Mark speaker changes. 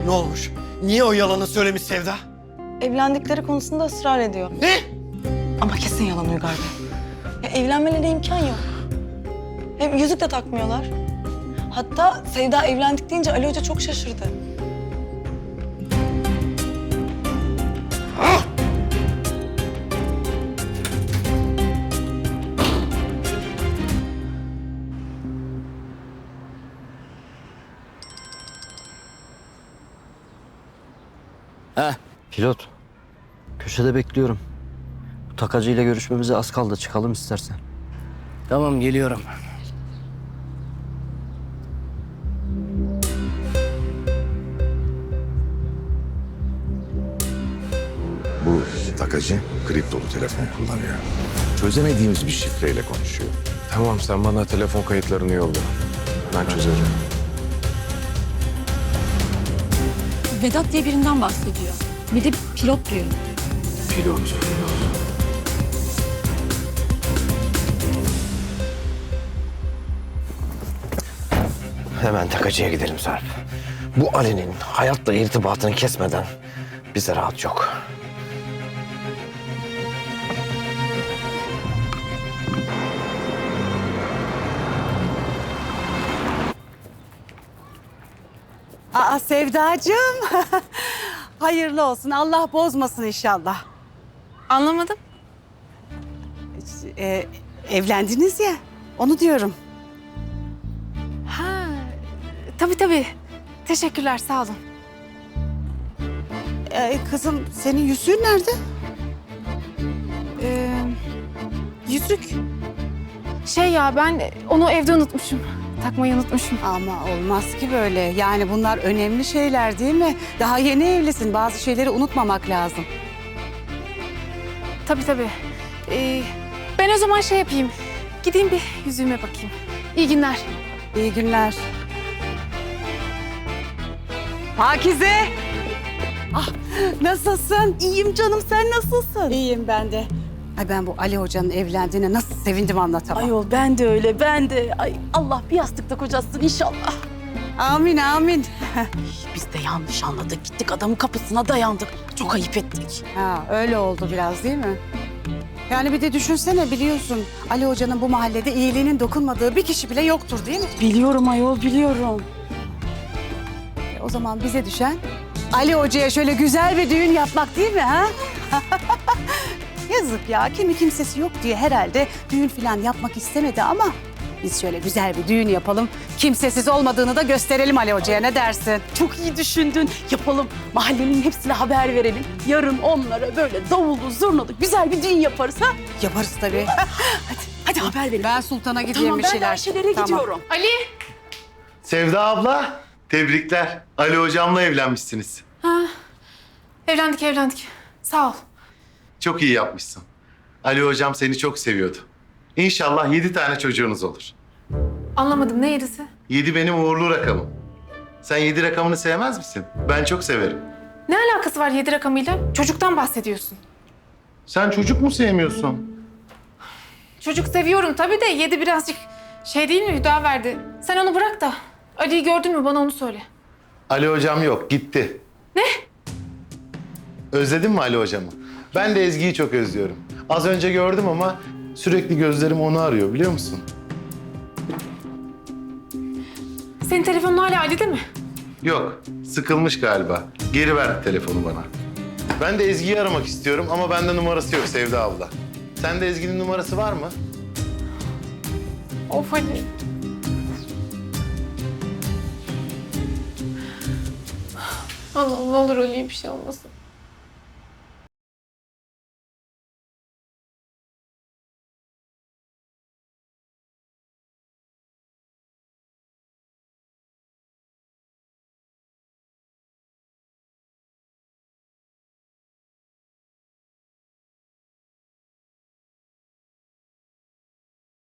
Speaker 1: Ne olmuş? Niye o yalanı söylemiş Sevda?
Speaker 2: Evlendikleri konusunda ısrar ediyor.
Speaker 1: Ne?
Speaker 2: Ama kesin yalan Uygar Bey. Ya evlenmelerine imkan yok. Hem yüzük de takmıyorlar. Hatta Sevda evlendik deyince Ali Hoca çok şaşırdı.
Speaker 3: Pilot. Köşede bekliyorum. Bu takacıyla görüşmemize az kaldı. Çıkalım istersen.
Speaker 4: Tamam, geliyorum.
Speaker 5: Bu takacı kriptolu telefon kullanıyor. Çözemediğimiz bir şifreyle konuşuyor.
Speaker 6: Tamam, sen bana telefon kayıtlarını yolla. Ben çözerim.
Speaker 7: Vedat diye birinden bahsediyor. Bir de pilot diyor.
Speaker 6: Pilot.
Speaker 1: Hemen takacıya gidelim Sarp. Bu Ali'nin hayatla irtibatını kesmeden bize rahat yok.
Speaker 8: Aa Sevdacığım. Hayırlı olsun. Allah bozmasın inşallah.
Speaker 7: Anlamadım.
Speaker 8: Evlendiniz ya. Onu diyorum.
Speaker 7: Ha, tabii. Teşekkürler, sağ olun.
Speaker 8: Kızım senin yüzüğün nerede?
Speaker 7: Yüzük. Şey ya, ben onu evde unutmuşum. Takmayı unutmuşum.
Speaker 8: Ama olmaz ki böyle. Yani bunlar önemli şeyler değil mi? Daha yeni evlisin. Bazı şeyleri unutmamak lazım.
Speaker 7: Tabii. Ben o zaman şey yapayım. Gideyim bir yüzüğüme bakayım. İyi günler.
Speaker 8: İyi günler. Pakize! Ah, nasılsın?
Speaker 2: İyiyim canım, sen nasılsın?
Speaker 8: İyiyim ben de. Ay ben bu Ali Hoca'nın evlendiğine nasıl sevindim anlatamam.
Speaker 2: Ayol ben de öyle, ben de. Ay Allah bir yastıkta kocasın inşallah.
Speaker 8: Amin amin.
Speaker 2: Biz de yanlış anladık. Gittik adamın kapısına dayandık. Çok ayıp ettik.
Speaker 8: Ha, öyle oldu biraz değil mi? Yani bir de düşünsene, biliyorsun Ali Hoca'nın bu mahallede iyiliğinin dokunmadığı bir kişi bile yoktur değil mi?
Speaker 2: Biliyorum ayol, biliyorum.
Speaker 8: O zaman bize düşen Ali Hoca'ya şöyle güzel bir düğün yapmak değil mi ha? Yazık ya, kimi kimsesi yok diye herhalde düğün falan yapmak istemedi ama biz şöyle güzel bir düğün yapalım. Kimsesiz olmadığını da gösterelim Ali Hoca'ya, ne dersin?
Speaker 2: Çok iyi düşündün. Yapalım. Mahallenin hepsine haber verelim. Yarın onlara böyle davullu, zurnalı güzel bir düğün yaparız ha?
Speaker 8: Yaparız tabii.
Speaker 2: Hadi haber verelim.
Speaker 8: Ben Sultan'a gideyim
Speaker 2: Tamam,
Speaker 8: bir
Speaker 2: ben
Speaker 8: şeyler.
Speaker 2: Ayşe'lere
Speaker 8: Tamam.
Speaker 2: gidiyorum.
Speaker 7: Ali!
Speaker 9: Sevda abla, tebrikler. Ali hocamla evlenmişsiniz.
Speaker 7: Evlendik. Sağ ol.
Speaker 9: Çok iyi yapmışsın. Ali hocam seni çok seviyordu. İnşallah 7 tane çocuğunuz olur.
Speaker 7: Anlamadım, ne yedisi?
Speaker 9: 7 benim uğurlu rakamım. Sen 7 rakamını sevmez misin? Ben çok severim.
Speaker 7: Ne alakası var 7 rakamıyla? Çocuktan bahsediyorsun.
Speaker 9: Sen çocuk mu sevmiyorsun?
Speaker 7: Çocuk seviyorum tabii de 7 birazcık şey değil mi, Hüdaverdi? Sen onu bırak da Ali'yi gördün mü, bana onu söyle.
Speaker 9: Ali hocam yok, gitti.
Speaker 7: Ne?
Speaker 9: Özledin mi Ali hocamı? Ben de Ezgi'yi çok özlüyorum. Az önce gördüm ama sürekli gözlerim onu arıyor, biliyor musun?
Speaker 7: Senin telefonun hala Ali'de mi?
Speaker 9: Yok, sıkılmış galiba. Geri verdi telefonu bana. Ben de Ezgi'yi aramak istiyorum ama bende numarası yok Sevda abla. Sende Ezgi'nin numarası var mı?
Speaker 7: Of Ali. Allah'ım ne olur Ali'ye bir şey olmasın.